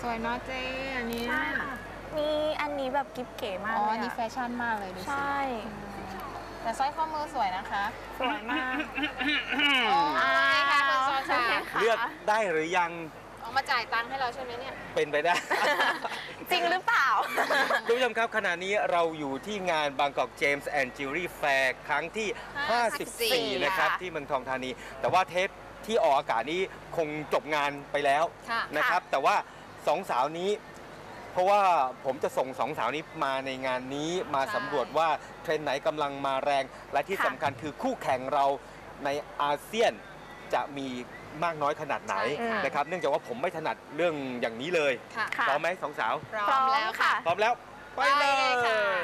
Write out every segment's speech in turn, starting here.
สวยเนาะเจ๊อันนี้มีอันนี้แบบกิ๊บเก๋มากเลยอันนี้แฟชั่นมากเลยดูสิใช่แต่สร้อยข้อมือสวยนะคะสวยมากโอ้ยค่ะคุณซอชาเลือกได้หรือยังออกมาจ่ายตังค์ให้เราใช่ไหมเนี่ยเป็นไปได้จริงหรือเปล่าทุกผู้ชมครับขณะนี้เราอยู่ที่งาน Bangkok James and Jewelry Fair ครั้งที่ 54 นะครับที่เมืองทองธานีแต่ว่าเทปที่ออกอากาศนี้คงจบงานไปแล้วนะครับแต่ว่าสองสาวนี้เพราะว่าผมจะส่งสองสาวนี้มาในงานนี้มาสำรวจว่าเทรนด์ไหนกำลังมาแรงและที่สำคัญคือคู่แข่งเราในอาเซียนจะมีมากน้อยขนาดไหนนะครับเนื่องจากว่าผมไม่ถนัดเรื่องอย่างนี้เลยพร้อมไหมสองสาวพร้อมแล้วค่ะพร้อมแล้วไปเลย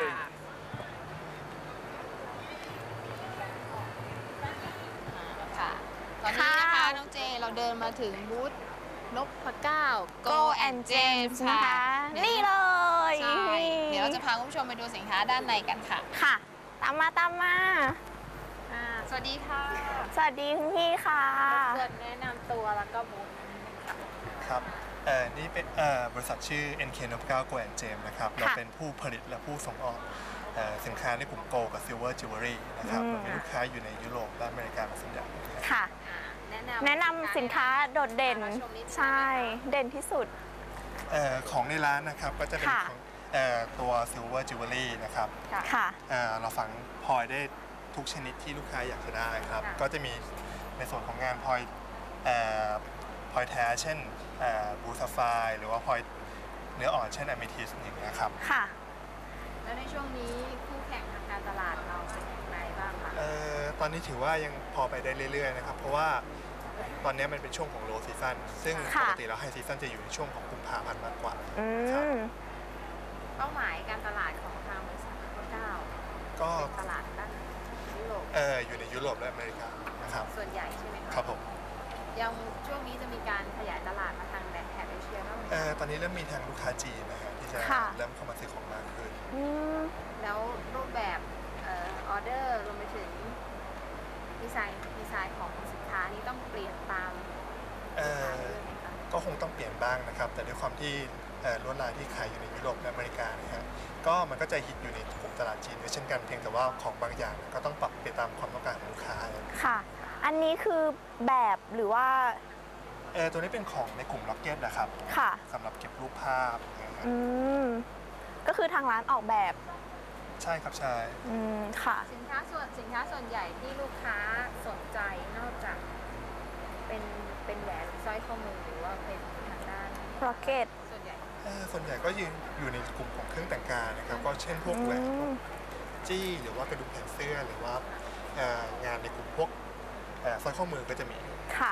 ค่ะตอนนี้นะคะน้องเจเราเดินมาถึงบูธนพเก้า Go and James นะคะนี่เลยเดี๋ยวเราจะพาคุณผู้ชมไปดูสินค้าด้านในกันค่ะค่ะตามมาสวัสดีค่ะสวัสดีคุณพี่ค่ะเกิดแนะนำตัวแล้วก็บูธครับนี่เป็นบริษัทชื่อ NK นพเก้า Go and James นะครับเราเป็นผู้ผลิตและผู้ส่งออกสินค้าในกลุ่ม Gold กับ Silver Jewelry นะครับเรามีลูกค้าอยู่ในยุโรปและอเมริกาเป็นส่วนใหญ่ค่ะแนะนำสินค้าโดดเด่นใช่เด่นที่สุดของในร้านนะครับก็จะเป็นของตัว Silver Jewelry นะครับค่ะเราฝังพลอยได้ทุกชนิดที่ลูกค้าอยากจะได้ครับก็จะมีในส่วนของงานพลอยแท้เช่นบูซาไฟหรือว่าพลอยเนื้ออ่อนเช่นอะเมทิสอย่างเงี้ยครับค่ะแล้วในช่วงนี้คู่แข่งทางการตลาดเราเป็นอย่างไรบ้างคะตอนนี้ถือว่ายังพอไปได้เรื่อยๆนะครับเพราะว่าตอนนี้มันเป็นช่วงของโลซีซันซึ่งปกติแล้วไฮซีซันจะอยู่ในช่วงของกุมภาพันธ์มากกว่าเป้าหมายการตลาดของทางบริษัทก็ตลาดด้านยุโรปอยู่ในยุโรปและอเมริกานะครับส่วนใหญ่ใช่ไหมครับผมยังช่วงนี้จะมีการขยายตลาดมาทางแถบเอเชียบ้างไหมตอนนี้เริ่มมีทางลูกค้าจีนนะฮะที่จะเริ่มเข้ามาซื้อของมากขึ้นแล้วรูปแบบออเดอร์รวมไปถึงดีไซน์ของสินค้านี้ต้องเปลี่ยนตามก็คงต้องเปลี่ยนบ้างนะครับแต่ด้วยความที่ลวดลายที่ขายอยู่ในยุโรปและอเมริกานะฮะก็มันก็จะฮิตอยู่ในกลุ่มตลาดจีนด้วยเช่นกันเพียงแต่ว่าของบางอย่างก็ต้องปรับไปตามความต้องการของลูกค้าค่ะอันนี้คือแบบหรือว่าตัวนี้เป็นของในกลุ่มล็อกเก็ตนะครับค่ะสำหรับเก็บรูปภาพก็คือทางร้านออกแบบใช่ครับใช่ค่ะสินค้าส่วนใหญ่ที่ลูกค้าสนใจนอกจากเป็นแหวนสร้อยข้อมือหรือว่าเป็นทางด้านล็อกเก็ตส่วนใหญ่ก็อยู่ในกลุ่มของเครื่องแต่งกายนะครับก็เช่นพวกแหวนจี้หรือว่ากระดุมแขนเสื้อหรือว่างานในกลุ่มพวกสร้อยข้อมือก็จะมีค่ะ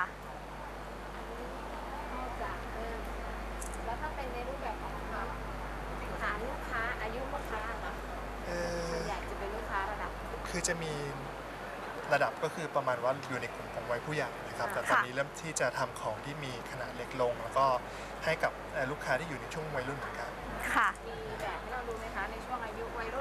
นอกจากแล้วถ้าเป็นในรูปแบบของฐานลูกค้าอายุลูกค้าเนาะส่วนใหญ่จะเป็นลูกค้าระดับคือจะมีระดับก็คือประมาณว่าอยู่ในกลุ่มของวัยผู้ใหญ่นะครับแต่ตอนนี้เริ่มที่จะทำของที่มีขนาดเล็กลงแล้วก็ให้กับลูกค้าที่อยู่ในช่วงวัยรุ่นเหมือนกันค่ะมีแบบให้เราดูไหมคะในช่วงอายุวัยรุ่น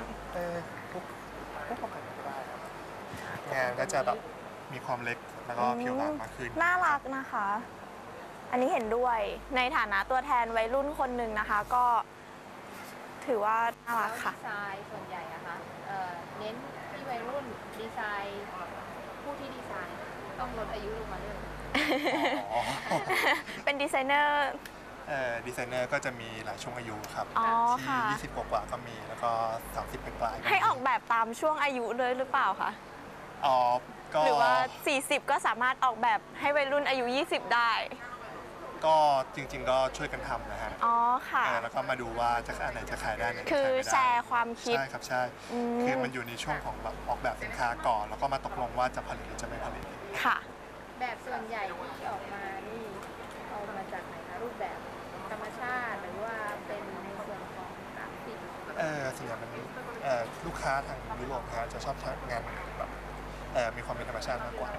พวกความแข็งก็ได้ครับงานก็จะแบบมีความเล็กแล้วก็ผิวบางมากขึ้นน่ารักนะคะอันนี้เห็นด้วยในฐานะตัวแทนวัยรุ่นคนหนึ่งนะคะก็ถือว่าน่ารักค่ะดีไซน์ส่วนใหญ่นะคะเน้นที่วัยรุ่นดีไซน์ผู้ที่ดีไซน์ต้องลดอายุลงมาด้วยเป็นดีไซเนอร์ก็จะมีหลายช่วงอายุครับที่20 กว่าก็มีแล้วก็30 ปลายให้ออกแบบตามช่วงอายุเลยหรือเปล่าคะหรือว่า40ก็สามารถออกแบบให้วัยรุ่นอายุ20ได้ก็จริงๆก็ช่วยกันทำนะฮะค่ะแล้วก็มาดูว่าจะอันไหนจะขายได้ไหนคือแชร์ความคิดใช่ครับใช่คือมันอยู่ในช่วงของแบบออกแบบสินค้าก่อนแล้วก็มาตกลงว่าจะผลิตหรือจะไม่ผลิตค่ะแบบส่วนใหญ่ที่ออกมานี่เอามาจากไหนคะรูปแบบธรรมชาติหรือว่าเป็นในส่วนของกราฟิกส่วนใหญ่มันลูกค้าทางยุโรปฮะจะชอบงานแบบมีความเป็นธรรมชาติมากกว่า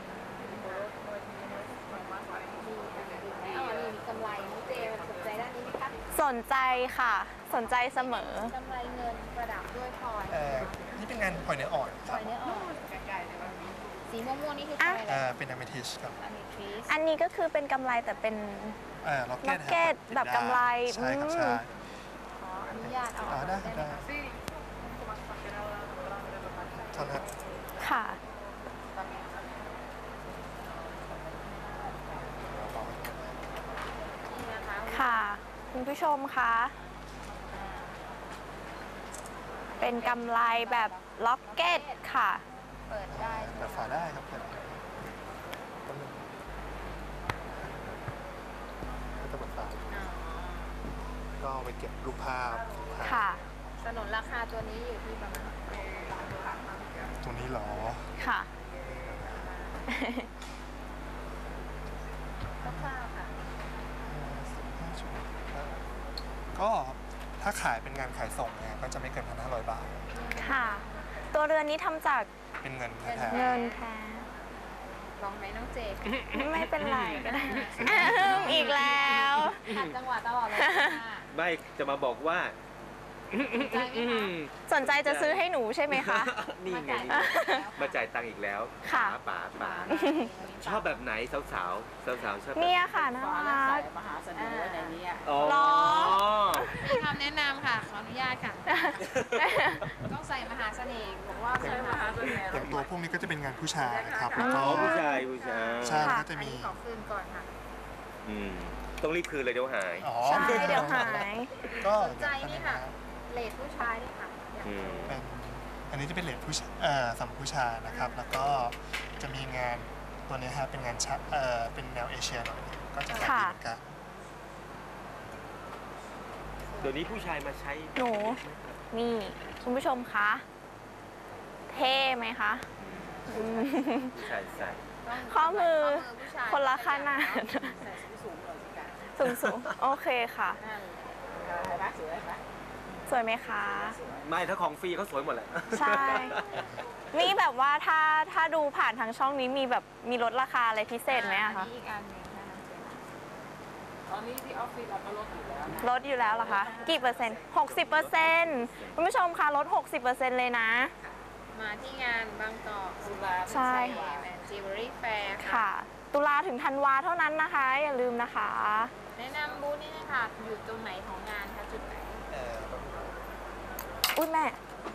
มีกำไรน้องเจสนใจด้านนี้ไหมคะสนใจค่ะสนใจเสมอกำไรเงินประดับด้วยพลอยนี่เป็นงานพลอยเนื้ออ่อนพลอยเนื้ออ่อนสีสีม่วงๆนี่คืออะไรนะเป็นอะเมทิสครับอะมิทิสอันนี้ก็คือเป็นกำไรแต่เป็นล็อกล็อกเก็ตแบบกำไรใช่ครับใช่ขออนุญาตเอาออกได้ได้ไหมได้คะเท่านั้นค่ะนี่นะคะค่ะ คุณผู้ชมคะเป็นกำไรแบบล็อกเก็ตค่ะเปิดได้ใช่ไหมเปิดฝาได้ครับเปิดก็จะเปิดฝาอ๋อก็ไปเก็บรูปภาพค่ะสนุนราคาตัวนี้อยู่ที่ประมาณตรงนี้เหรอค่ะคร่าวๆค่ะ 15ชั่วโมงก็ถ้าขายเป็นงานขายส่งเนี่ยก็จะไม่เกิน 1,500 บาทค่ะ ตัวเรือนนี้ทำจากเป็นเงินแท้เงินแท้ลองไหมน้องเจกไม่เป็นไรก็ได้ อีกแล้วขัดจังหวะตลอดเลยค่ะไม่จะมาบอกว่าใจไหมคะสนใจจะซื้อให้หนูใช่ไหมคะนี่ไง มาจ่ายตังค์อีกแล้วค่ะป๋าชอบแบบไหนสาวๆสาวๆชอบแบบเนี่ยค่ะน่ารักมหาเสน่ห์ไว้ในนี้อ๋อหรอมีคำแนะนำค่ะ ขออนุญาตค่ะ ต้องใส่มหาเสน่ห์บอกว่าใส่มหาเสน่ห์ๆอย่างตัวพวกนี้ก็จะเป็นงานผู้ชายครับแล้วอ๋ก็อผู้ชายใช่ค่ะก็จะอันมีนี้ขอคืนก่อนค่ะอืมต้องรีบคืนเลยเดี๋ยวหายอ๋อใช่เดี๋ยวหายก็สนใจนี่ค่ะ เลดผู้ชายนี่ค่ะอยากอืมเป็นอันนี้จะเป็นเลดผู้ชายสำหรับผู้ชายนะครับ แล้วก็จะมีงานตัวนี้ครับเป็นงานเป็นแนวเอเชียหน่อยก็จะขายดีเหมือนกันเดี๋ยวนี้ผู้ชายมาใช้หนู นี่ คุณผู้ชมคะ เท่ไหมคะอืมผู้ชายใส่ต้องข้อมือผู้ชายคนละขนาดใส่สูงๆเลยสิคะสูงๆ โอเคค่ะนั่นเลยเห็นไหมสวยไหมสวยไหมคะไม่ถ้าของฟรีเขาสวยหมดแหละใช่ นี่แบบว่าถ้าดูผ่านทางช่องนี้มีแบบมีลดราคาอะไรพิเศษไหมอะอัคะนนี้อีกอันหนึ่งนะคะตอนนี้ที่ออฟฟิศเราก็ลดอยู่แล้วนะลดอยู่แล้วเหรอคะ กี่เปอร์เซ็นต์60%คุณผู้ชมคะลด 60%เลยนะมาที่งานบางกอกสุราใช่แมนจิวเวลรี่แฟร์ค่ะค่ะ ตุลาถึงธันวาเท่านั้นนะคะ อย่าลืมนะคะแนะนำบูธนี่นะคะอยู่ตรงไหนของงานคะจุดไหนอุ้ยแม่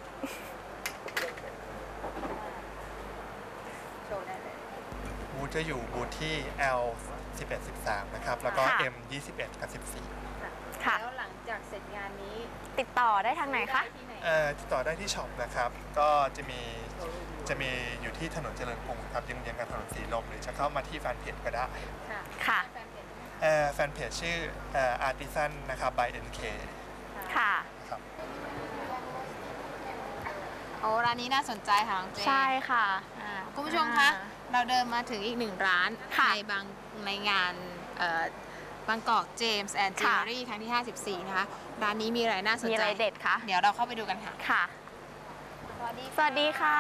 โชว์ได้เลยบูธจะอยู่บูธที่ L 11 13นะครับแล้วก็ค่ะ M 21กับ14 ค่ะแล้วหลังจากเสร็จงานนี้ติดต่อได้ทางไหนคะที่ไหนติดต่อได้ที่ช็อปนะครับ ก็จะมีอยู่ที่ถนนเจริญกรุงครับเยื้องๆกับถนนสีลมหรือจะเข้ามาที่แฟนเพจก็ได้ค่ะค่ะแฟนเพจด้วยแฟนเพจชื่อArtisan นะครับ by NK ค่ะครับโอ้ร้านนี้น่าสนใจค่ะน้องเจใช่ค่ะคุณผู้ชมคะ เราเดินมาถึงอีกหนึ่งร้านค่ะในงานบางกอกเจมส์แอนด์จิวค่ะเวลรี่ครั้งที่ 54 นะคะ ร้านนี้มีอะไรน่าสนมีใจอะไรเด็ดคะเดี๋ยวเราเข้าไปดูกันค่ะค่ะสวัสดีสวัสดีค่ะ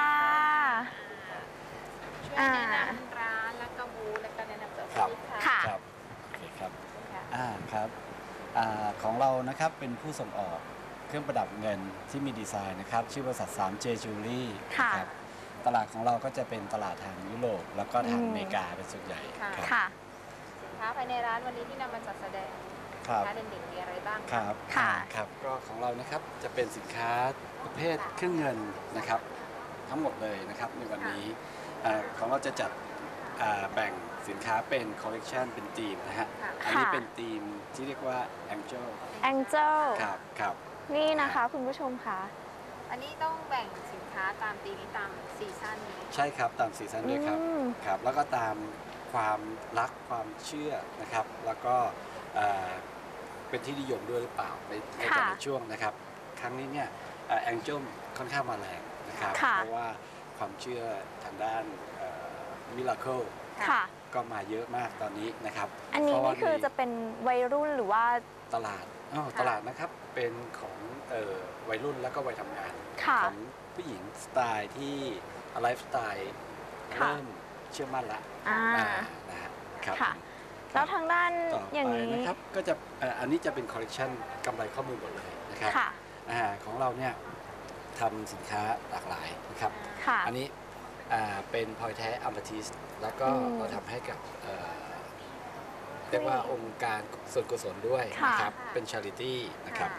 ช่วยแนะนำร้านแล้วก็บูธแล้วก็แนะนำตัวครับค่ะค่ะครับโอเคครับค่ะครับของเรานะครับเป็นผู้ส่งออกเครื่องประดับเงินที่มีดีไซน์นะครับชื่อบริษัท 3J Jewelry ค่ะนะครับตลาดของเราก็จะเป็นตลาดทางยุโรปแล้วก็ทางอืมอเมริกาเป็นส่วนใหญ่ค่ะครับค่ะสินค้าภายในร้านวันนี้ที่นำมาจัดแสดงครับสินค้าเด่นๆมีอะไรบ้างครับค่ะครับก็ของเรานะครับจะเป็นสินค้าประเภทเครื่องเงินนะครับทั้งหมดเลยนะครับในวันนี้ของเราจะจัดแบ่งสินค้าเป็นคอลเลกชันเป็นธีมนะฮะค่ะอันนี้เป็นธีมที่เรียกว่า Angel Angel ครับครับนี่นะคะคุณผู้ชมค่ะอันนี้ต้องแบ่งสินค้าตามปีนี้ตามซีซั่นนี้ใช่ครับตามซีซั่นด้วยครับอืมครับ แล้วก็ตามความรักความเชื่อนะครับ แล้วก็เป็นที่นิยมด้วยหรือเปล่าในแต่ละช่วงนะครับ ครั้งนี้เนี่ยแองเจิลค่อนข้างมาแรงนะครับค่ะเพราะว่าความเชื่อทางด้านมิราเคิลค่ะก็มาเยอะมากตอนนี้นะครับอันนี้เพราะว่านี่คือจะเป็นวัยรุ่นหรือว่าตลาดตลาดนะครับเป็นของวัยรุ่นแล้วก็วัยทำงานค่ะของผู้หญิงสไตล์ที่ไลฟ์สไตล์ค่ะเริ่มเชื่อมั่นละอ่านะฮะครับค่ะ แล้วทางด้านต่ออย่างไปนี้นะครับก็จะอันนี้จะเป็นคอลเลกชันกำไรข้อมือหมดเลยนะครับค่ะของเราเนี่ยทำสินค้าหลากหลายนะครับค่ะอันนี้เป็นพลอยแท้อัมพทิสแล้วก็เราทำให้กับเรียกว่าองค์การส่วนกุศลด้วยนะครับเป็นชาริตี้นะครับ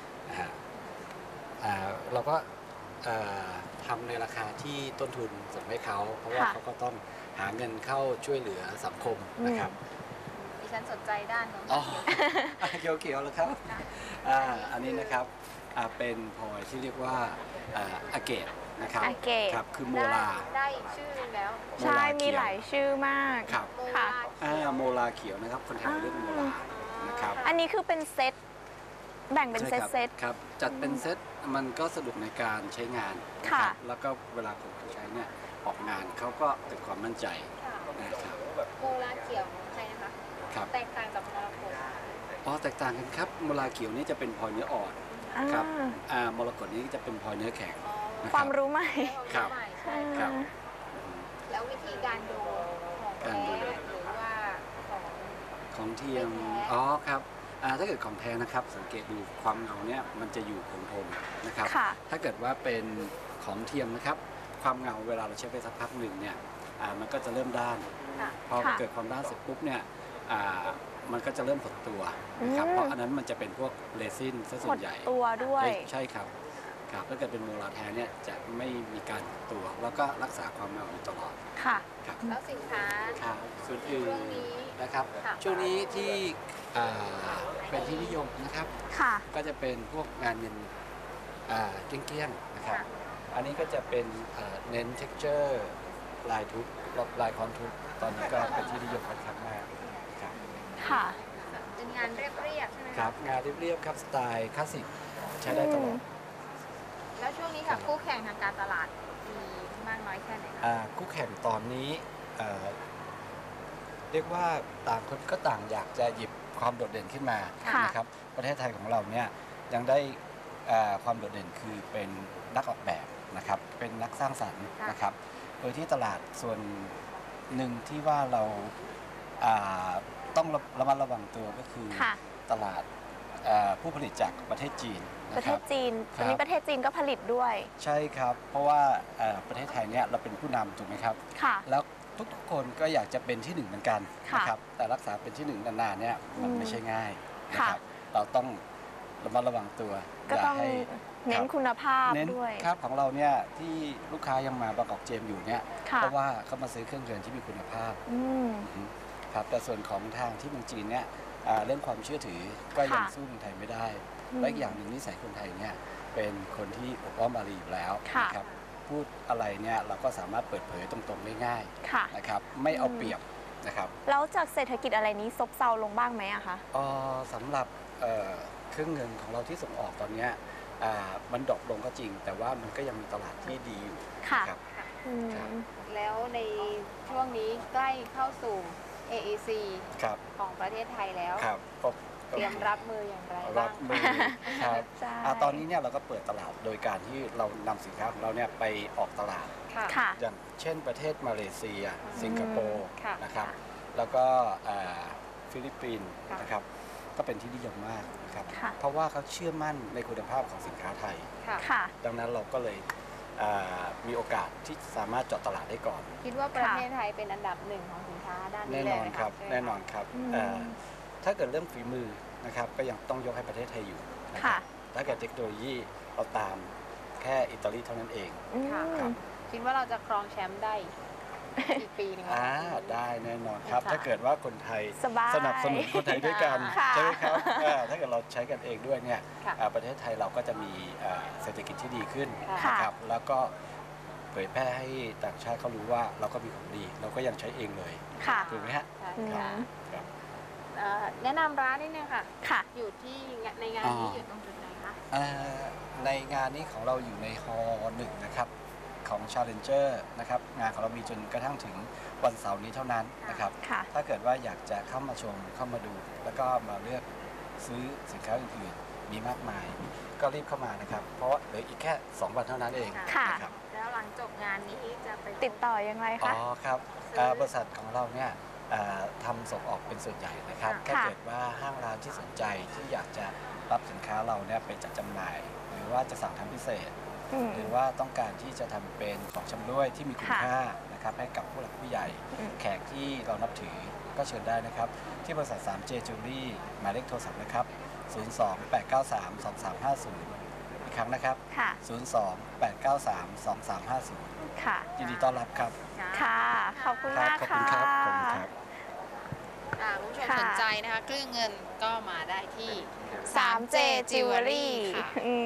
เราก็ทำในราคาที่ต้นทุนส่งให้เขาเพราะว่าเขาก็ต้องหาเงินเข้าช่วยเหลือสังคมนะครับดิฉันสนใจด้านนู้นเขียวๆแล้วครับอันนี้นะครับเป็นพลอยที่เรียกว่าอาเกตนะครับครับคือโมลาได้อีกชื่อนึงแล้วใช่มีหลายชื่อมากครับค่ะโมลาเขียวนะครับคนไทยเรียกโมลานะครับอันนี้คือเป็นเซตแบ่งเป็นเซตครับจัดเป็นเซตมันก็สะดวกในการใช้งานนะครับแล้วก็เวลาคนใช้เนี่ยออกงานเขาก็เกิดความมั่นใจนะครับโมลาเขียวใช่นะคะครับแตกต่างจากมรกตแตกต่างกันครับโมลาเขียวนี่จะเป็นพลอยเนื้ออ่อนครับมรกตนี้จะเป็นพลอยเนื้อแข็งความรู้ใหม่ครับครับแล้ววิธีการดูของแท้หรือว่าของเทียมครับถ้าเกิดของแท้นะครับสังเกตดูความเงาเนี่ยมันจะอยู่คงทนนะครับถ้าเกิดว่าเป็นของเทียมนะครับความเงาเวลาเราใช้ไปสักพักหนึ่งเนี่ยมันก็จะเริ่มด้านพอเกิดความด้านเสร็จปุ๊บเนี่ยมันก็จะเริ่มหดตัวนะครับเพราะอันนั้นมันจะเป็นพวกเรซินซะส่วนใหญ่ตัวด้วยใช่ครับถ้าเกิดเป็นโมลาแท้เนี่ยจะไม่มีการตัวแล้วก็รักษาความเงาอยู่ตลอดค่ะแล้วสินค้าส่วนอื่นนะครับช่วงนี้ที่เป็นที่นิยมนะครับก็จะเป็นพวกงานเงินเกี้ยงๆนะครับอันนี้ก็จะเป็นเน้น texture ลายทุบลายคอนทุบตอนนี้ก็เป็นที่นิยมค่อนข้างมากครับค่ะเป็นงานเรียบๆใช่ไหมครับงานเรียบๆครับสไตล์คลาสสิกใช้ได้ตลอดแล้วช่วงนี้ค่ะคู่แข่งทางการตลาดมีมากน้อยแค่ไหนคู่แข่งตอนนี้เรียกว่าต่างคนก็ต่างอยากจะหยิบความโดดเด่นขึ้นมานะครับประเทศไทยของเราเนี่ยยังได้ความโดดเด่นคือเป็นนักออกแบบนะครับเป็นนักสร้างสรรค์นะครับโดยที่ตลาดส่วนหนึ่งที่ว่าเราต้องระมัดระวังตัวก็คือตลาดผู้ผลิตจากประเทศจีนประเทศจีนตอนนี้ประเทศจีนก็ผลิตด้วยใช่ครับเพราะว่าประเทศไทยเนี่ยเราเป็นผู้นำถูกไหมครับแล้วทุกคนก็อยากจะเป็นที่หนึ่งเหมือนกันนะครับแต่รักษาเป็นที่หนึ่งนานๆเนี่ยมันไม่ใช่ง่ายนะครับเราต้องระมัดระวังตัวก็ต้องเน้นคุณภาพด้วยครับของเราเนี่ยที่ลูกค้ายังมาบางกอกเจมอยู่เนี่ยเพราะว่าเขามาซื้อเครื่องยนต์ที่มีคุณภาพครับแต่ส่วนของทางที่เมืองจีนเนี่ยเรื่องความเชื่อถือก็ยังสู้เมืองไทยไม่ได้และอีกอย่างหนึ่งนิสัยคนไทยเนี่ยเป็นคนที่อบอ้อมอารีอยู่แล้วนะครับพูดอะไรเนี่ยเราก็สามารถเปิดเผยตรงๆได้ง่ายนะครับไม่เอาเปรียบนะครับแล้วจากเศรษฐกิจอะไรนี้ซบเซาลงบ้างไหมอะคะสำหรับเครื่องเงินของเราที่ส่งออกตอนนี้มันดรอปลงก็จริงแต่ว่ามันก็ยังมีตลาดที่ดีอยู่ครับแล้วในช่วงนี้ใกล้เข้าสู่ AEC ของประเทศไทยแล้วเตรียมรับมืออย่างไรบ้างครับตอนนี้เนี่ยเราก็เปิดตลาดโดยการที่เรานำสินค้าของเราเนี่ยไปออกตลาดอย่างเช่นประเทศมาเลเซียสิงคโปร์นะครับแล้วก็ฟิลิปปินส์นะครับก็เป็นที่นิยมมากนะครับเพราะว่าเขาเชื่อมั่นในคุณภาพของสินค้าไทยดังนั้นเราก็เลยมีโอกาสที่สามารถเจาะตลาดได้ก่อนคิดว่าประเทศไทยเป็นอันดับหนึ่งของสินค้าด้านนี้เลยไหมครับแน่นอนครับถ้าเกิดเรื่องฝีมือนะครับก็ยังต้องยกให้ประเทศไทยอยู่นะครับถ้าเกิดเทคโนโลยีเราตามแค่อิตาลีเท่านั้นเองคิดว่าเราจะครองแชมป์ได้อีกปีนึงได้แน่นอนครับถ้าเกิดว่าคนไทยสนับสนุนคนไทยด้วยกันใช่ไหมครับถ้าเกิดเราใช้กันเองด้วยเนี่ยประเทศไทยเราก็จะมีเศรษฐกิจที่ดีขึ้นนะครับแล้วก็เผยแพร่ให้ต่างชาติเขารู้ว่าเราก็มีของดีเราก็ยังใช้เองเลยถูกไหมฮะแนะนำร้านนิดนึงค่ะอยู่ที่ในงานนี้อยู่ตรงจุดไหนคะในงานนี้ของเราอยู่ในฮอลล์1นะครับของ Challenger นะครับงานของเรามีจนกระทั่งถึงวันเสาร์นี้เท่านั้นนะครับถ้าเกิดว่าอยากจะเข้ามาชมเข้ามาดูแล้วก็มาเลือกซื้อสินค้าอื่นๆมีมากมายก็รีบเข้ามานะครับเพราะเหลืออีกแค่2 วันเท่านั้นเองนะครับแล้วหลังจบงานนี้จะไปติดต่อยังไงคะครับบริษัทของเราเนี่ยทำส่งออกเป็นส่วนใหญ่นะครับถ้าเกิดว่าห้างร้านที่สนใจที่อยากจะรับสินค้าเราเนี่ยไปจัดจำหน่ายหรือว่าจะสั่งทำพิเศษหรือว่าต้องการที่จะทำเป็นของชำร่วยที่มีคุณค่านะครับให้กับผู้หลักผู้ใหญ่แขกที่เรานับถือก็เชิญได้นะครับที่บริษัท 3J Jewelry หมายเลขโทรศัพท์นะครับ02-893-2350 อีกครั้งนะครับ02-893-2350 ค่ะยินดีต้อนรับครับค่ะ ขอบคุณมากขอบคุค่ะณครับขอบคุณครับคุณผู้ชมค่ะสนใจนะคะเครื่องเงินก็มาได้ที่ 3J Jewelry ค่ะ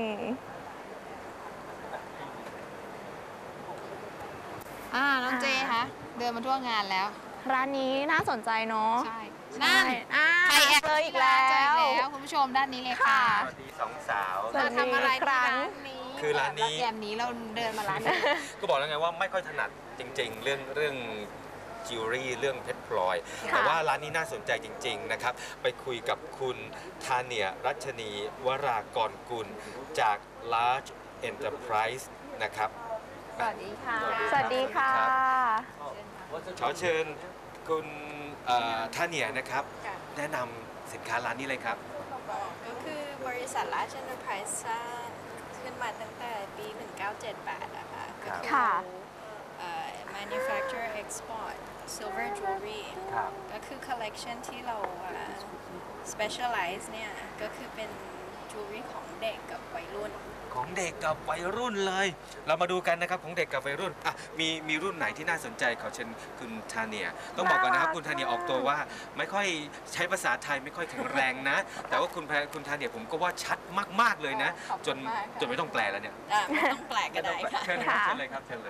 น้องเจคะเดินมาทั่วงานแล้วร้านนี้น่าสนใจเนาะใช่ใช่นั่นใครแอบเลยอีกแล้วเจออีกแล้วคุณผู้ชมด้านนี้เลยค่ะสวัสดีสองสาวสวัเราสดีทำอะไรครั้ที่งร้านนี้คือร้านนี้แยมนี้เราเดินมาร้านนี้ก็บอกแล้วไงว่าไม่ค่อยถนัดจริงๆ เรื่องจิวเวลรี่เรื่องเพชรพลอยค่ะแต่ว่าร้านนี้น่าสนใจจริง ๆ นะครับ ไปคุยกับคุณธาเนียรัชนีวรากรกุลจาก Large Enterprise นะครับสวัสดีค่ะสวัสดีค่ะขอเชิญคุณธาเนียนะครับ แนะนำสินค้าร้านนี้เลยครับก็คือบริษัท Large Enterprise สร้างขึ้นมาตั้งแต่ปี 1978นะคะ ก็คือค่ะ manufacture export silver jewelry ครับก็คือ collection ที่เรา specialize เนี่ย ก็คือเป็น jewelry ของเด็กกับวัยรุ่นของเด็กกับวัยรุ่นเลย เรามาดูกันนะครับของเด็กกับวัยรุ่นอ่ะมีรุ่นไหนที่น่าสนใจขอเชิญคุณธาเนียต้องบอกก่อนนะครับคุณธาเนียออกตัวว่าไม่ค่อยใช้ภาษาไทยไม่ค่อยแข็งแรงนะ แต่ว่าคุณธาเนียผมก็ว่าชัดมากๆเลยนะขอบคุณมากค่ะจนไม่ต้องแปลแล้วเนี่ยไม่ต้องแปลก็ได้ค่ะเชิญเลยครับเชิญเลยครับเชิญเลย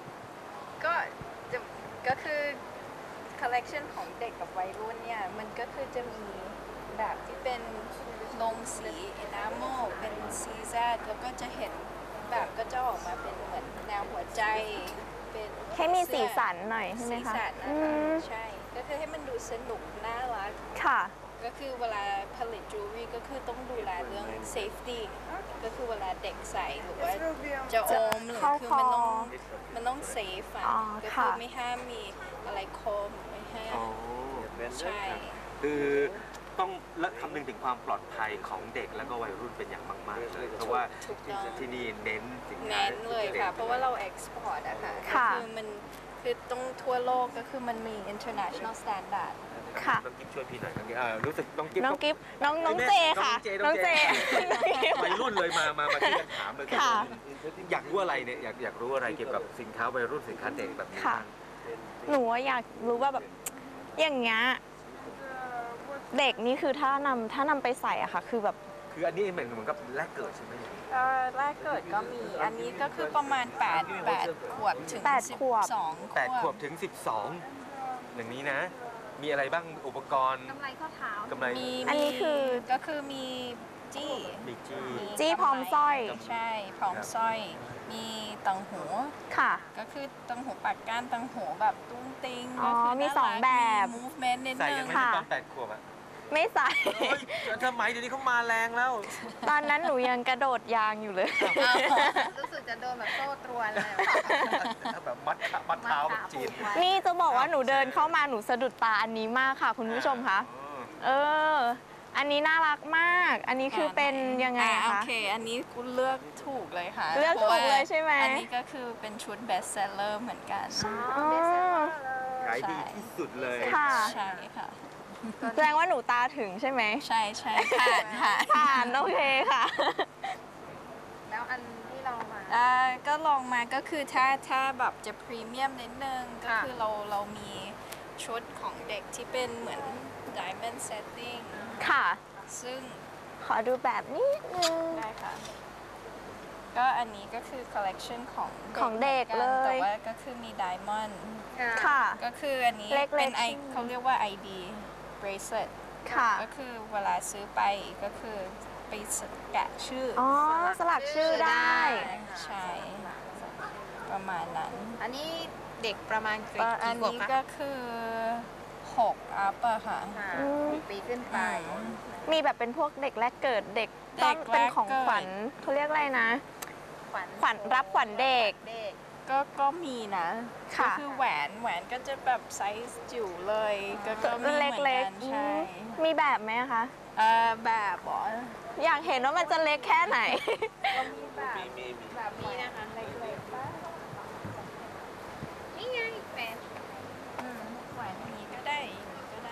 ก็คือ collection ของเด็กกับวัยรุ่นเนี่ย มันก็คือจะมีแบบที่เป็นลงสี enamel เป็น CZ แล้วก็จะเห็นแบบก็จะออกมาเป็นเหมือนแนวหัวใจ เป็นให้มีสีสันหน่อยใช่ไหมสีคะสันอืนะคะมใช่ ก็คือให้มันดูสนุกน่ารักค่ะก็คือเวลาผลิตจูเวลรี่ก็คือต้องดูแลเรื่อง safety ก็คือเวลาเด็กใส่หรือว่าจะอมหรือเข้าคือคอมันต้องเซฟอ่ะอ๋อก็คือค่ะไม่ห้ามมีอะไรคมไม่ห้ามใช่คือต้องและคำนึงถึงความปลอดภัยของเด็กแล้วก็วัยรุ่นเป็นอย่างมากๆเลยเพราะว่าถูกต้องที่นี่เน้นสินค้าเน้นเลยค่ะ เพราะว่าเรา export อะค่ะค่ะก็คือมันคือต้องทั่วโลกก็คือมันมี international standard ค่ะต้องกิ๊บช่วยพี่หน่อยครับรู้สึกต้องกิ๊บน้องกิฟต์น้องเจค่ะน้น้ออง งเจเจวัยรุ่นเลยมาที่กันถามเลยค่ะอยากรู้อะไรเนี่ยอยากรู้อะไรเกี่ยวกับสินค้าวัยรุ่นสินค้าเด็กแบบนี้ค่ะบ้างหนูว่าอยากรู้ว่าแบบอย่างเงี้ยเด็กนี่คือถ้านำไปใส่อะค่ะ คือแบบคืออันนี้เหมือนกับแรกเกิดใช่ไหมแรกเกิดก็มี อันนี้ก็คือประมาณ8 ขวบถึง 8 ขวบ 12 8 ขวบถึง 12 อย่างนี้นะ มีอะไรบ้างอุปกรณ์กำไรข้อเท้ากำไรมีอันนี้คือก็คือมีจี้มีจี้จี้พร้อมสร้อยใช่พร้อมสร้อย มีตังหูค่ะก็คือตังหูปากก้านตังหูแบบตุ้งติ้งอ๋อก็คือมีน่าสองรักแบบมี movement นิดใส่นึยังงไงค่ะตอน8 ขวบอะไม่ใส่โอ้ยทำไมเดี๋ยวนี้เขามาแรงแล้วตอนนั้นหนูยังกระโดดยางอยู่เลยรู้สึกจะโดนแบบโซ่ตรวนเลยแบบมัดเท้าแบบจีนไว้นี่จะบอกว่าหนูเดินเข้ามาหนูสะดุดตาอันนี้มากค่ะ คุณผู้ชมคะ เออ อันนี้น่ารักมาก อันนี้คือเป็นยังไงโอคะเค อันนี้คุณเลือกถูกเลยค่ะเลือกถูกเลยใช่ไหมอันนี้ก็คือเป็นชุด best seller เหมือนกันอ๋อขายดีที่สุดเลยค่ะใช่ค่ะแสดงว่าหนูตาถึงใช่ไหมใช่ใช่ผ่านค่ะผ่านโอเคค่ะแล้วอันที่เรามาก็ลองมาก็คือถ้าแบบจะพรีเมียมนิดนึง ก็ค่ะคือเรามีชุดของเด็กที่เป็นเหมือน diamond setting ค่ะซึ่งขอดูแบบนี้นึงได้ค่ะ ก็อันนี้ก็คือ collection ของของเด็กหมือนนเลยแต่ว่าก็คือมี diamond ค่ะก็คืออันนี้เล็กๆเป็นใช่ไหมเขาเรียกว่า ID bracelet ค่ะก็คือเวลาซื้อไปก็คือไปแกะชื่อออ๋อ สลักชื่อได้ใช่ ประมาณนั้นอันนี้เด็กประมาณกี่อันขวบนี้คะก็คือ6 up อะค่ะอืมปีขึ้นไปมีแบบเป็นพวกเด็กแรกเกิดเด็กเด็ต้อก งเป็นของแรกเกิดขวัญเขาเรียกอะไรนะขวัญขวัญรับขวัญเด็กเด็กก็มีนะค่ะก็คือแหวนก็จะแบบไซส์จิ๋วเลยก็มีเหมือนเล็กักนๆใช่มีแบบไหมคะแบบบออยากเห็นว่ามันจะเล็กแค่ไหนก็มีแบบนี้นะคะเล็กๆบ้างนี่ไงแฟนแหวนอย่างนี้ก็ได้อย่างนี้ก็ได้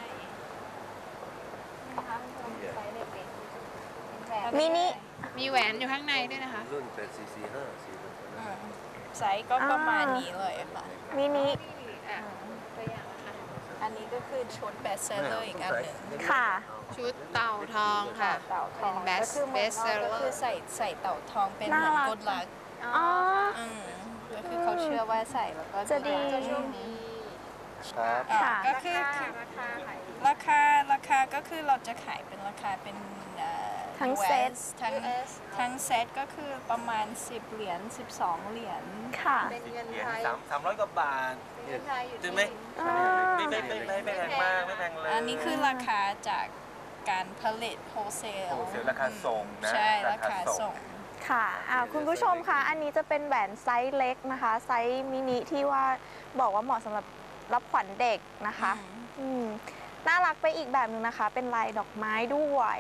นะคะไซส์เล็กๆแบบมินิมีแหวนอยู่ข้างในด้วยนะคะรุ่นเป็น445 ไซส์ก็ประมาณนี้เลยค่ะมินิอ่ะตัวอย่างนะคะอันนี้ก็คือชุดเบสเซอร์อีกอันหนึ่งค่ะชุดเต่าทองค่ะเต่าทองเป็นก็คือเหมือน best seller ก็คือใส่เต่าทองเป็นเหมือนน่ารักกดลักอ๋อก็คือเขาเชื่อว่าใส่แล้วก็จะดีจะโชคดีครับค่ะก็คือราคาราคาก็คือเราจะขายเป็นราคาเป็นทั้ง US เซตทั้งเซตก็คือประมาณ10 เหรียญ12 เหรียญค่ะเป็นเงินเหรียญไทย 300 กว่าบาทเงินไทยอยู่ใช่ที่ไหมอ่าไม่แพงมากไม่แพงเลยอันนี้คือราคาจากการผลิตโฮเซลโอ้เสียราคาส่งนะใช่ราคาส่งค่ะคุณผู้ชมคะ อันนี้จะเป็นแหวนไซส์เล็กนะคะ ไซส์มินิที่ว่าบอกว่าเหมาะสำหรับรับขวัญเด็กนะคะ น่ารักไปอีกแบบหนึ่งนะคะ เป็นลายดอกไม้ด้วย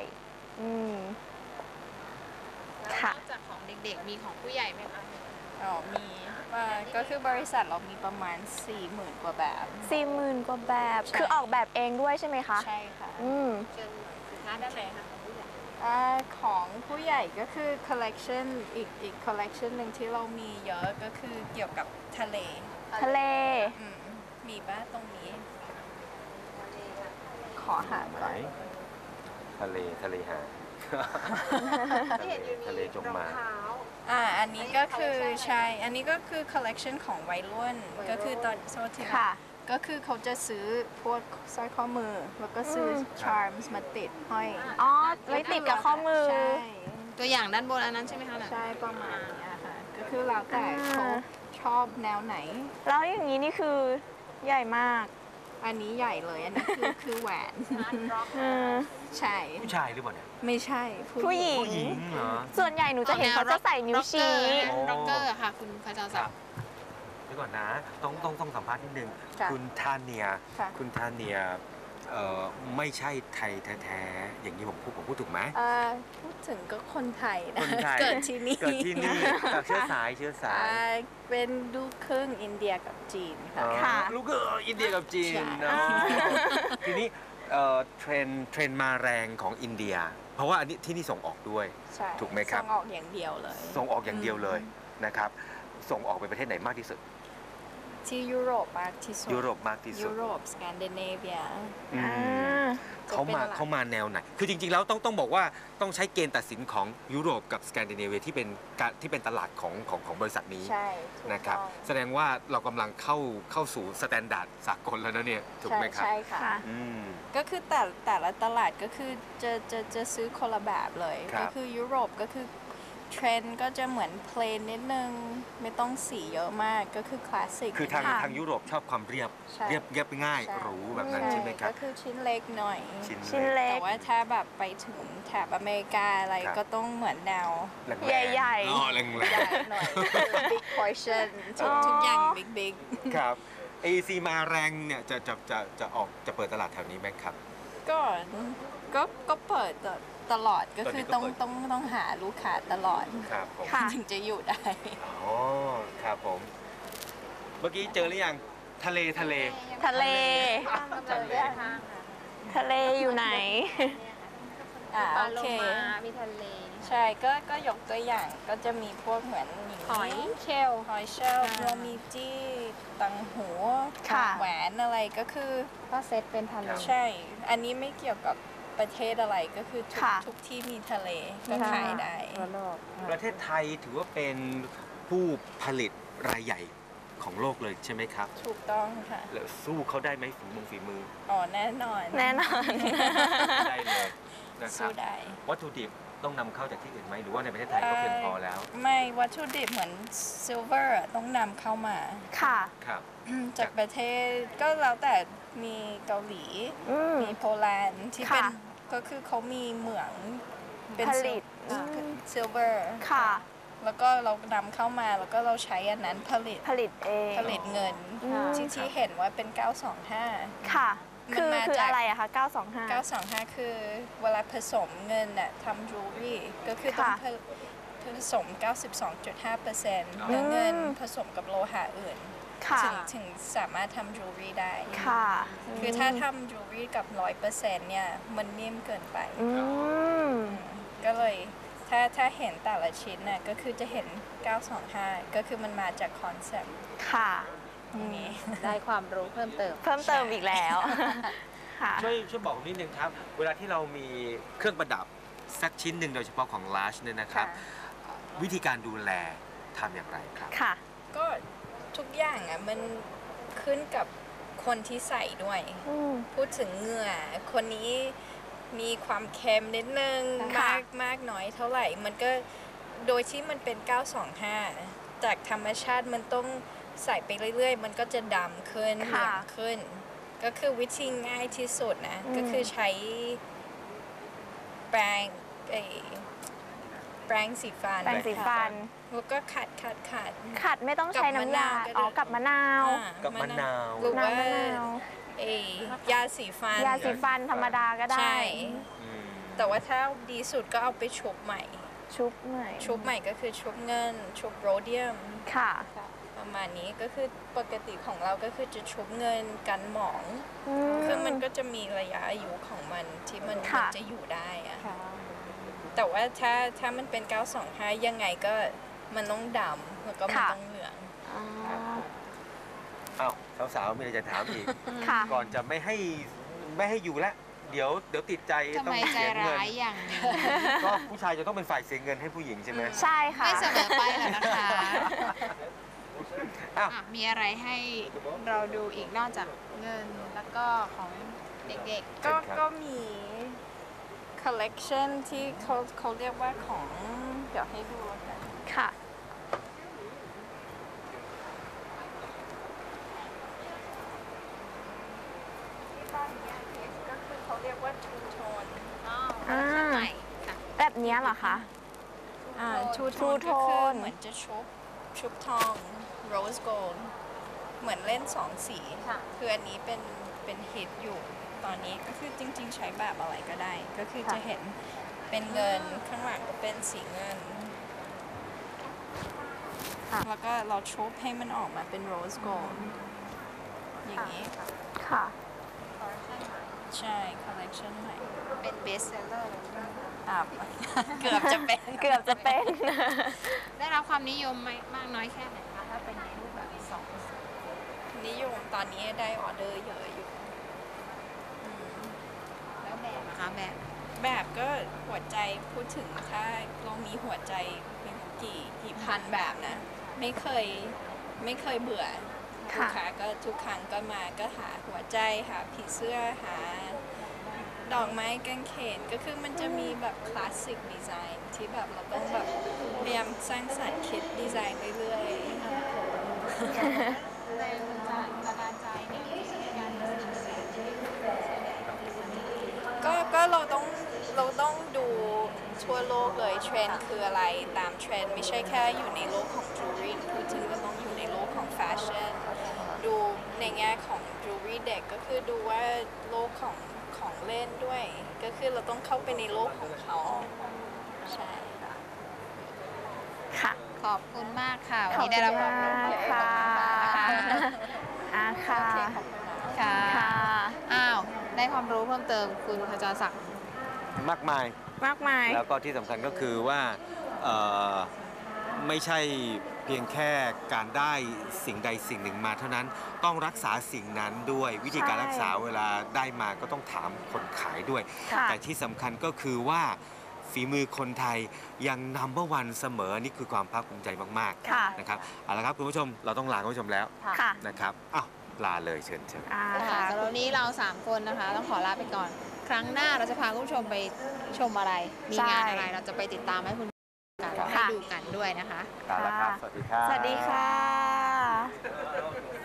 ค่ะนอกจากของเด็กๆ มีของผู้ใหญ่ไหมคะมีก็คือบริษัทเรามีประมาณ 40,000 กว่าแบบ 40,000 กว่าแบบใช่คือออกแบบเองด้วยใช่ไหมคะใช่ค่ะเชิญสินค้าด้านไหนคะของผู้ใหญ่ของผู้ใหญ่ก็คือ collection อีก collection หนึ่งที่เรามีเยอะก็คือเกี่ยวกับทะเลทะเลมีบ้านตรงนี้ ขอหาไหนก่อนทะเลหาดที่เห็นอยู่มีทะเลจงรองมาเท้าอันนี้ก็คือใช่ อันนี้ก็คือ collection ของวัยรุ่น ก็คือตอนโซทีค่ะก็คือเขาจะซื้อพวกสร้อยข้อมือ แล้วก็ซื้อ charms มาติดห้อยอ๋อ ไว้ติดกับข้อมือใช่ตัวอย่างด้านบนอันนั้นใช่ไหมคะน่ะใช่ประมาณเนี้ยค่ะ ก็คือแล้วแต่เขาชอบแนวไหนแล้วอย่างนี้นี่คือใหญ่มากอันนี้ใหญ่เลย อันนี้คือแหวน ใช่ผู้ชายหรือเปล่าเนี่ยไม่ใช่ผู้หญิงผู้หญิงเหรอส่วนใหญ่หนูจะเห็นเขาจะใส่นิ้วชี้ร็อกเกอร์ค่ะ คุณพระเจ้าคศัรักบดิ์เดี๋ยวก่อนนะ ต้องสัมภาษณ์นิดนึงค่ะคุณทาเนียค่ะคุณทาเนียไม่ใช่ไทยแท้ๆอย่างนี้ผมพูดถูกไหมพูดถึงก็คนไทยนะคนไทยเกิดที่นี่เกิดที่นี่จากเชื้อสายเป็นลูกครึ่งอินเดียกับจีนค่ะค่ะลูกก็อินเดียกับจีนใช่เนอะทีนี้เทรนด์มาแรงของอินเดีย เพราะว่าอันนี้ที่นี่ส่งออกด้วยใช่ถูกไหมครับส่งออกอย่างเดียวเลยส่งออกอย่างเดียวเลยนะครับ ส่งออกไปประเทศไหนมากที่สุดที่ยุโรปมากที่สุดยุโรปมากที่สุยุดโรปสแกนดิเนเวียอืมอ่าเขามาจะเป็นหลักเขามาแนวไหน คือจริงๆแล้วต้องบอกว่าต้องใช้เกณฑ์ตัดสินของยุโรปกับสแกนดิเนเวียที่เป็นตลาดของบริษัทนี้ใช่ถูกนะครับต้องแสดงว่าเรากำลังเข้าสู่สแตนดาร์ดสากลแล้วนะเนี่ยถูกไหมครับใช่ค่ะค่ะอืมก็คือแต่ละตลาดก็คือจะซื้อคนละแบบเลยครับก็คือยุโรปก็คือเทรนด์ก็จะเหมือนเพลนนิดนึง ไม่ต้องสีเยอะมากก็คือคลาสสิกคือทางค่ะทางยุโรปชอบความเรียบใช่เรียบง่ายหรูแบบนั้นใช่ไหมครับก็คือชิ้นเล็กหน่อยชิ้นเล็แต่กว่าถ้าแบบไปถึงแถบอเมริกาอะไรครับก็ต้องเหมือนแนวแรงๆใหญ่ๆอ๋อแรงใหญ่หน่อยคือ big portion ทุกอย่าง big ๆครับ AC มาแรงเนี่ยจะเปิดตลาดแถวนี้ไหมครับก็เปิดตลอดก็คือตอนนี้ก็เปิดต้องหาลูกค้าตลอดครับผมค่ะถึงจะอยู่ได้อ๋อครับผม เมื่อกี้เจอหรือยังทะเลทะเลข้ามมาเลยข้างค่ะทะเลอยู่ไหนปลาโอโลเคมามีทะเลใช่ก็ยกตัวอย่างก็จะมีพวกเหมือนางนี้หอยเชลล์หอยเชลล์โรมีจี้ตังหูค่ะแหวนอะไรก็คือก็เซตเป็นทะเลใช่ อันนี้ไม่เกี่ยวกับประเทศอะไรก็คือทุกที่มีทะเลก็ขายได้ทั่วโลกประเทศไทยถือว่าเป็นผู้ผลิตรายใหญ่ของโลกเลยใช่ไหมครับถูกต้องค่ะแล้วสู้เขาได้ไหมฝีมืออ๋อแน่นอนแน่นอนได้เลยนะครัสู้บได้วัตถุดิบต้องนำเข้าจากที่อื่นไหมหรือว่าในประเทศไทยก็เพียงพอแล้วไม่วัตถุดิบเหมือนซิลเวอร์ต้องนำเข้ามาค่ะครับจากประเทศก็แล้วแต่มีเกาหลี มีโปแลนด์ที่เป็นค่ะก็คือเขามีเหมืองเป็นผลิตซิลเวอร์ค่ะแล้วก็เรานำเข้ามาแล้วก็เราใช้อันนั้นผลิตเองผลิตเงินอืมที่เห็นว่าเป็น 925 ค่ะมันมาคือจากอะไรอะคะ925 925 คือเวลาผสมเงินน่ะทำ jewelry ก็คือต้องค่ะผสม 92.5% เนื้อเงินผสมกับโลหะอื่นค่ะถึงสามารถทำ jewelry ได้ค่ะคือถ้าทำ jewelry กับ 100% เนี่ยมันนิ่มเกินไปอืมก็เลยถ้าเห็นแต่ละชิ้นน่ะก็คือจะเห็น 925 ก็คือมันมาจากคอนเซ็ปต์ค่ะนี้ได้ความรู้เพิ่มเติมเพิ่มเติมอีกแล้ว ค่ะช่วยบอกนิดนึงครับ เวลาที่เรามีเครื่องประดับสักชิ้นหนึ่งโดยเฉพาะของลาชเนี่ยนะครับ วิธีการดูแลทำอย่างไรครับค่ะก็ทุกอย่างอ่ะมันขึ้นกับคนที่ใส่ด้วย พูดถึงเหงื่อคนนี้มีความเค็มนิดนึงค่ะมากน้อยเท่าไหร่ มันก็โดยที่มันเป็น 925 จากธรรมชาติมันต้องใส่ไปเรื่อยๆ มันก็จะดำขึ้นเหลืองขึ้น ก็คือวิธีง่ายที่สุดนะ ก็คือใช้แปรงสีฟันแปรงสีฟันแล้วก็ขัดขัดไม่ต้องใช้น้ำยากับมะนาวก็ได้กับมะนาวกับมะนาวหรือว่าน้ำมะนาวยาสีฟันยาสีฟันธรรมดาก็ได้ใช่ แต่ว่าถ้าดีสุดก็เอาไปชุบใหม่ชุบหน่อยชุบใหม่ก็คือชุบเงิน ชุบโรเดียมค่ะประมาณนี้ก็คือปกติของเราก็คือจะชุบเงินกันหมองอืคือมันก็จะมีระยะอายุของมันที่มันค่ะจะอยู่ได้อะแต่ว่าถ้ามันเป็น 925 ยังไงก็มันต้องดำแล้วก็มันต้องเหลืองอ๋ออ้าวสาวๆมีอะไรจะถามอีกค่ะก่อนจะไม่ให้อยู่ละเดี๋ยวติดใจทำต้อไมงใจเสียเงินร้ายอย่างนี้ก็ผู้ชายจะต้องเป็นฝ่ายเสียเงินให้ผู้หญิงใช่ไหมใช่ค่ะไม่เสมอไปหรอกนะคะอ้าวอ่ะมีอะไรให้เราดูอีกนอกจากเงินแล้วก็ของเด็กก็มี collection ที่เขาเรียกว่าของ เดี๋ยวให้ดูแล้วกันค่ะที่บ้านเนี้ยก็คือเขาเรียกว่า two tone ๆอ๋ออ่าใหม่ค่ะแบบเนี้ยเหรอคะ two Two tone ก็คือ tone เหมือนจะชุบทอง rose gold เหมือนเล่นสองสีค่ะคืออันนี้เป็นฮิตอยู่ตอนนี้ก็คือจริงๆใช้แบบอะไรก็ได้ ก็คือจะเห็นเป็นเงินข้างหลังก็เป็นสีเงินค่ะแล้วก็เราชุบให้มันออกมาเป็น rose gold อย่างนี้ค่ะใช่ collection ใหม่เป็น best seller เลยเกือบจะเป็นเกือบจะเป็นได้รับความนิยมไหมมากน้อยแค่ไหนคะถ้าเป็นในรูปแบบสองนิยมตอนนี้ได้ออเดอร์เยอะอยู่อืมแล้วแบบนะคะแบบแบบก็หัวใจพูดถึงถ้าเรามีหัวใจเป็นกี่พันแบบนะไม่เคยเบื่อลูกค้าก็ทุกครั้งก็มาก็หาหัวใจหาผีเสื้อหาดอกไม้กางเขนก็คือมันจะมีแบบคลาสสิกดีไซน์ที่แบบเราต้องแบบพยายามสร้างสรรค์คิดดีไซน์เรื่อยๆแรงบันดาลใจนี่ในการตัดสินใจก็เราต้องดูทั่วโลกเลยเทรนด์คืออะไรตามเทรนด์ไม่ใช่แค่อยู่ในโลกของจูรี่พูดถึงก็ต้องอยู่ในโลกของแฟชั่นดูในแง่ของจูรี่เด็กก็คือดูว่าโลกของเล่นด้วย ก็คือเราต้องเข้าไปในโลกของเขาใช่ค่ะค่ะขอบคุณมากค่ะ วันขอบนี้ได้รับความรู้คุณมากค่ะ ค่ะค่ะค่ะอ้าว ได้ความรู้เพิ่มเติมคุณขจรศักดิ์มากมายมากมายแล้วก็ที่สำคัญก็คือว่าไม่ใช่เพียงแค่การได้สิ่งใดสิ่งหนึ่งมาเท่านั้นต้องรักษาสิ่งนั้นด้วยวิธีการรักษาเวลาได้มาก็ต้องถามคนขายด้วยค่ะแต่ที่สำคัญก็คือว่าฝีมือคนไทยยังnumber one เสมอนี่คือความภาคภูมิใจมากค่ะๆนะครับเอาละครับคุณผู้ชมเราต้องลาคุณผู้ชมแล้วค่ะนะครับอ้าวลาเลยเชิญค่ะสำหรับวันนี้เรา 3 คนนะคะ ต้องขอลาไปก่อน ครั้งหน้าเราจะพาคุณผู้ชมไปชมอะไร มีงานอะไร เราจะไปติดตามให้คุณกันให้ดูกันด้วยนะคะลาแล้วครับ สวัสดีครับสวัสดีค่ะ